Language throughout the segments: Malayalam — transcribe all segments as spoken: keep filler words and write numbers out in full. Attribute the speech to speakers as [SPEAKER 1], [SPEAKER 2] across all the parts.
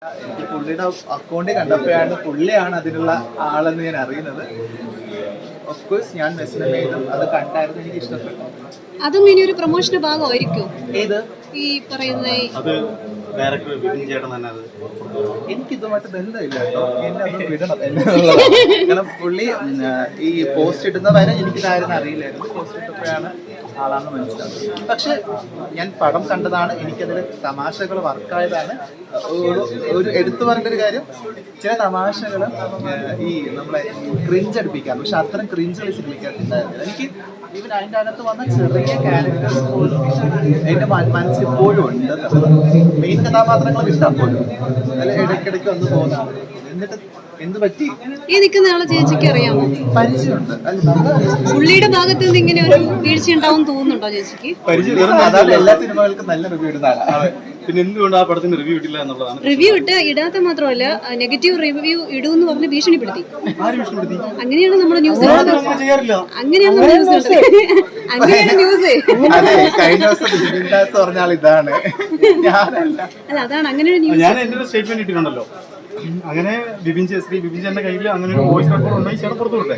[SPEAKER 1] എനിക്ക് പുള്ളിയുടെ അക്കൗണ്ട് കണ്ടപ്പോഴാണ് പുള്ളിയാണ് അതിനുള്ള ആളെന്ന് ഞാൻ അറിയുന്നത്. ഓഫ് കോഴ്സ് ഞാൻ മെസ്സേജ് ചെയ്തും അത് കണ്ടായിരുന്നു, എനിക്ക് ഇഷ്ടപ്പെട്ടു.
[SPEAKER 2] അതും ഇനി ഒരു പ്രൊമോഷന്റെ ഭാഗമായിരിക്കും.
[SPEAKER 1] ഏത്
[SPEAKER 2] ഈ പറയുന്ന
[SPEAKER 3] അത് ഡയറക്ടർ ബിപിൻ ചേട്ടൻ തന്നെ അത്
[SPEAKER 1] എനിക്കിതുമായിട്ട് ബന്ധമില്ല കേട്ടോ, എന്നെ അത് വിടണം എന്നുള്ളതാണ്. കാരണം പുള്ളി ഈ പോസ്റ്റ് ഇടുന്ന വരെ എനിക്കിതായിരുന്നു അറിയില്ലായിരുന്നു. പോസ്റ്റ് ഇട്ടപ്പോഴാണ് ആളാണെന്ന് മനസ്സിലാവുന്നത്. പക്ഷെ ഞാൻ പടം കണ്ടതാണ്, എനിക്കതിൽ തമാശകൾ വർക്കായതാണ്. ഒരു ഒരു എടുത്തു പറയേണ്ട ഒരു കാര്യം, ചില തമാശകൾ ഈ നമ്മളെ ക്രിഞ്ച് അടുപ്പിക്കാം, പക്ഷെ അത്തരം ക്രിഞ്ചുകൾ സിനിമയ്ക്കകത്തുണ്ടായിരുന്നില്ല. എനിക്ക് ഈവൻ അതിൻ്റെ അകത്ത് വന്ന ചെറിയ ക്യാരക്ടേഴ്സ് പോലും എൻ്റെ മനസ്സിൽ ഇപ്പോഴും ഉണ്ട്. മെയിൻ കഥാപാത്രങ്ങൾ ഇഷ്ടം പോലും അതിൽ ഇടയ്ക്കിടയ്ക്ക് വന്ന് പോകുന്നതാണ്. എന്നിട്ട് എന്ത് പറ്റി
[SPEAKER 2] ഈ നിൽക്കുന്ന ആളെ ചേച്ചിക്ക് അറിയാമോ?
[SPEAKER 1] പരിചയമുണ്ട്.
[SPEAKER 2] പുള്ളിയുടെ ഭാഗത്ത് നിന്ന് ഇങ്ങനെ ഒരു വീഴ്ച ഉണ്ടാവും തോന്നുന്നുണ്ടോ ചേച്ചിക്ക്?
[SPEAKER 1] അതാണ് എല്ലാ സിനിമകൾക്കും നല്ല റിവ്യൂ ഇടുന്ന ആളാണ്.
[SPEAKER 3] പിന്നെ എന്തുകൊണ്ട് ആ പടത്തിന് റിവ്യൂ ഇട്ടില്ല എന്നുള്ളതാണ്.
[SPEAKER 2] റിവ്യൂ ഇട്ട് ഇടാത്ത മാത്രമല്ല നെഗറ്റീവ് റിവ്യൂ ഇടൂന്ന് പറഞ്ഞ് ഭീഷണിപ്പെടുത്തി.
[SPEAKER 3] ആര് ഭീഷണിപ്പെടുത്തി?
[SPEAKER 2] അങ്ങനെയാണ് നമ്മുടെ ന്യൂസ്
[SPEAKER 3] അങ്ങനെ ചെയ്യാറില്ല.
[SPEAKER 2] അങ്ങനെയാണ് നമ്മുടെ ന്യൂസ് അങ്ങനെയാണ് ന്യൂസ്.
[SPEAKER 1] അതെ, കഴിഞ്ഞ ദിവസം ബിപിൻ ദാസ് പറഞ്ഞ ആൾ ഇതാണ്, ഞാനല്ല.
[SPEAKER 2] അല്ല അതാണ് അങ്ങനെ ഒരു ന്യൂസ്.
[SPEAKER 3] ഞാൻ എന്റെ ഒരു സ്റ്റേറ്റ്മെന്റ് ഇട്ടിട്ടുണ്ടല്ലോ. അങ്ങനെ ബിപിൻ ശ്രീ ബിപിൻ ചേട്ടന്റെ കയ്യിൽ അങ്ങനെ ഒരു വോയിസ് റെക്കോർഡ് ഉണ്ടെങ്കിൽ ചേട്ടൻ പുറത്തു വിട്ടെ.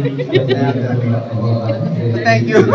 [SPEAKER 1] Thank you.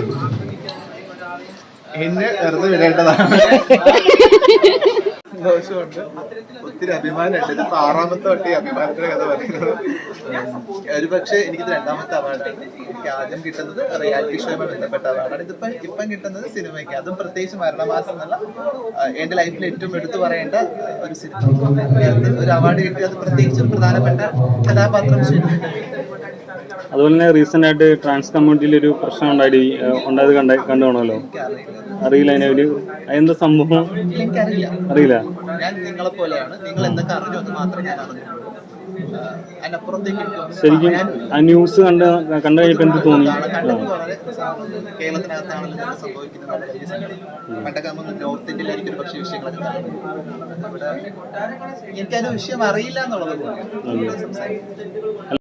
[SPEAKER 1] എന്നെ വെറുതെ വിടേണ്ടതാണ്. സന്തോഷമുണ്ട്, ഒത്തിരി അഭിമാനമുണ്ട്. ഇതിപ്പോ ആറാമത്തെ വട്ടി അഭിമാനത്തിന്റെ കഥ പറയുന്നത്. ഒരു പക്ഷേ എനിക്കിത് രണ്ടാമത്തെ അവാർഡാണ്. എനിക്ക് ആദ്യം കിട്ടുന്നത് റിയാലിറ്റി ഷോയുമായി ബന്ധപ്പെട്ട അവാർഡാണ്. ഇതിപ്പം ഇപ്പം കിട്ടുന്നത് സിനിമയ്ക്ക്, അതും പ്രത്യേകിച്ച് മരണമാസം എന്നുള്ള എൻ്റെ ലൈഫിൽ ഏറ്റവും എടുത്തു പറയേണ്ട ഒരു സിനിമ ഒരു അവാർഡ് കിട്ടി. അത് പ്രത്യേകിച്ച് ഒരു പ്രധാനപ്പെട്ട കഥാപാത്രം ചെയ്യുന്നുണ്ട്.
[SPEAKER 4] അതുപോലെ തന്നെ റീസെന്റ് ആയിട്ട് ട്രാൻസ് കമ്മ്യൂണിറ്റിയിൽ ഒരു പ്രശ്നം ഉണ്ടായി ഉണ്ടായത് കണ്ട കണ്ടുപോണല്ലോ. അറിയില്ല അതിനെ ഒരു എന്താ സംഭവം?
[SPEAKER 1] എനിക്കറിയില്ല,
[SPEAKER 4] അറിയില്ല.
[SPEAKER 1] ഞാൻ നിങ്ങളെ പോലെയാണ്. നിങ്ങൾ എന്തൊക്കെ അറിഞ്ഞു എന്ന് മാത്രമേ ഞാൻ അറിഞ്ഞുള്ളൂ. അതിനപ്പുറത്തേക്ക്
[SPEAKER 4] ശരിക്കും ആ ന്യൂസ് കണ്ട് കണ്ടു കഴിഞ്ഞപ്പോ എന്ത് തോന്നി?
[SPEAKER 1] കേരളത്തിനകത്താണെങ്കിലും സംഭവിക്കുന്നത് പണ്ടൊക്കെ നമ്മൾ നോർത്ത് ഇന്ത്യയിലായിരിക്കും ഒരു പക്ഷേ വിഷയങ്ങളൊക്കെ കാണും. ഇവിടെ എനിക്കതിന്റെ വിഷയം അറിയില്ല എന്നുള്ളത് സംസാരിക്കും.